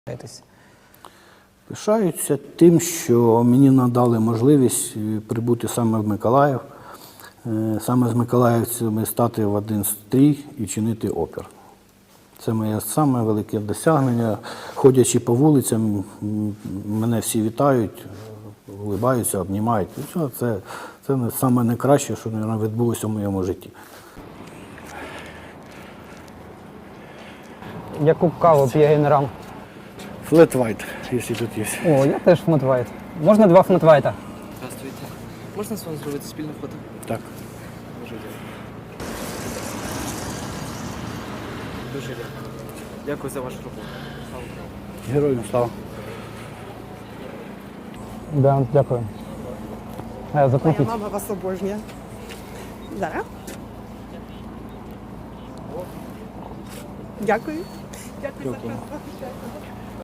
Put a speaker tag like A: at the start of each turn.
A: Пишаються тим, що мені надали можливість прибути саме в Миколаїв, саме з миколаївцями стати в один стрій і чинити опір. Це моє саме велике досягнення. Ходячи по вулицям, мене всі вітають, улибаються, обнімають. Це саме найкраще, що відбулося в моєму житті.
B: Яку каву п'є генерал?
A: Flat white, якщо тут є.
B: О, я теж флетвайт. Можна 2 флетвайта?
C: Здравствуйте. Можна з вами зробити спільне фото?
A: Так.
C: Дуже дякую. Дуже дякую. Дякую за вашу роботу. Слава Україні.
A: Героям слава.
B: Да, дякую.
D: Моя
B: Закупіть.
D: мама вас обожнює. Зараз. Дякую. Дякую за